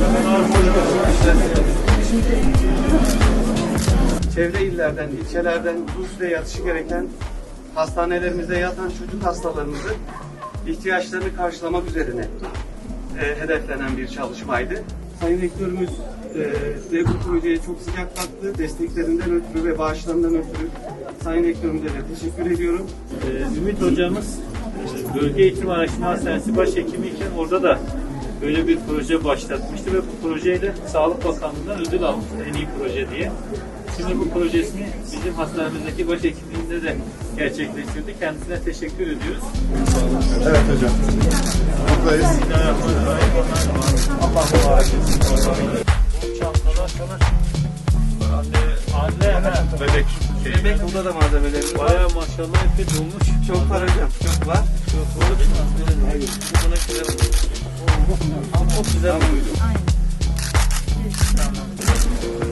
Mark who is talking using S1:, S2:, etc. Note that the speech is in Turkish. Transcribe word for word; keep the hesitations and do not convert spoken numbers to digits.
S1: Çevre illerden, ilçelerden Bursa'ya yatışı gereken hastanelerimizde yatan çocuk hastalarımızın ihtiyaçlarını karşılamak üzerine e, hedeflenen bir çalışmaydı. Sayın Rektörümüz e, de bu projeye çok sıcak baktı. Desteklerinden ötürü ve bağışlarından ötürü Sayın Rektörümüze de teşekkür ediyorum.
S2: Ee, Ümit Hocamız Bölge Eğitim Araştırma Hastanesi Başhekimiyken orada da böyle bir proje başlatmıştı ve bu projeyle Sağlık Bakanlığı'ndan ödül almıştı en iyi proje diye. Şimdi bu projesini bizim hastanemizdeki başhekimliğinde de gerçekleştirdi. Kendisine teşekkür ediyoruz.
S3: Evet hocam. Buradayız. Allah mübarek etsin.
S2: Çantalar falan. Anne, anne, he, bebek. Şey.
S1: Bebek burada da malzemelerimiz var.
S2: Bayağı maşallah hep de dolmuş.
S1: Çok var hocam, çok var.
S2: Çok var. Hayır. Bu buna güzel oldu. Çok güzel oldu.
S4: Aynen. Tamam.